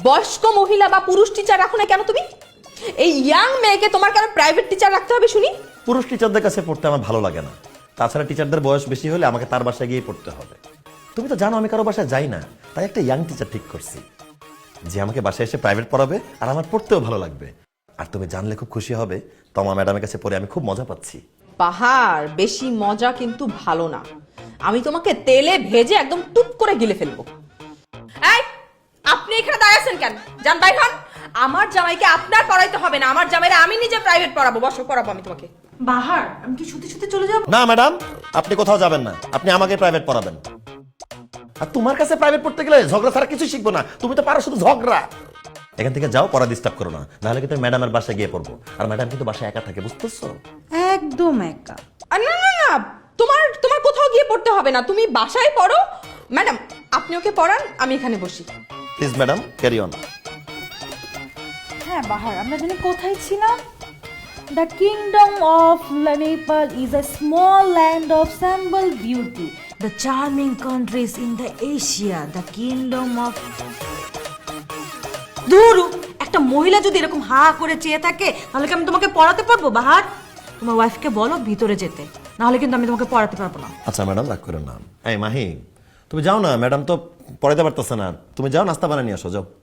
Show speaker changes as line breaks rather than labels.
বয়স্ক মহিলা বা পুরুষ টিচার রাখো না কেন তুমি? এই ইয়াং মেয়েকে তোমার কেন প্রাইভেট টিচার রাখতে হবে শুনি?
পুরুষ টিচারদের কাছে পড়তে আমার ভালো লাগে না। তাছাড়া টিচারদের বয়স বেশি হলে আমাকে তার বাসায় গিয়ে পড়তে হবে। তুমি তো জানো আমি কারো বাসায় যাই না, তাই একটা ইয়াং টিচার ঠিক করছি যে আমাকে বাসায় এসে প্রাইভেট পড়াবে আর আমার পড়তেও ভালো লাগবে। আর তুমি জানলে খুব খুশি হবে, তমা ম্যাডামের কাছে পড়ে আমি খুব মজা পাচ্ছি।
পাহাড়, বেশি মজা কিন্তু ভালো না। আমি তোমাকে তেলে ভেজে একদম টুপ করে গিলে ফেলবো। এই, আপনি এখানে দাঁড়িয়ে আছেন কেন? যান বাইরে হন। আমার জামাইকে আপনার পড়াইতে হবে না, আমার জামাইরা আমি নিজে প্রাইভেট পড়াবো। বসো, পড়াবো আমি তোমাকে।
বাহার, আমি কি সত্যি সত্যি চলে যাব?
না ম্যাডাম, আপনি কোথাও যাবেন না, আপনি আমাকে প্রাইভেট পড়াবেন। আর তোমার কাছে প্রাইভেট পড়তে গেলে ঝগড়া ছাড়া কিছু শিখবো না, তুমি তো পারো শুধু ঝগড়া। এখান থেকে যাও, পড়া ডিস্টার্ব করো না, নাহলে কিন্তু ম্যাডামের বাসায় গিয়ে পড়বো। আর ম্যাডাম কিন্তু বাসায় একা থাকে, বুঝতেছো?
একদম একা।
না না না, তোমার তোমার কোথাও গিয়ে পড়তে হবে না, তুমি বাসায় পড়ো। ম্যাডাম, আপনি ওকে পড়ান, আমি এখানে বসি।
Please madam, carry on.
হ্যাঁ বাহার, আমরা জানি কোথায় ছিলাম? The kingdom of Nepal is a small land of simple beauty. The charming countries in the Asia. The kingdom of... ধুরু, একটা মহিলা যদি এরকম হা করে চেয়ে থাকে তাহলে কি আমি তোমাকে পড়াতে পারবো বাহার? তোমার ওয়াইফকে বলো ভিতরে যেতে, নাহলে কিন্তু আমি তোমাকে পড়াতে পারবো না।
আচ্ছা ম্যাডাম, রাগ করেন না। এই মাহি, তুমি যাও না, ম্যাডাম তো পড়াতে পারতেছে না, তুমি যাও নাস্তা বানিয়ে নিয়ে আসো, যাও।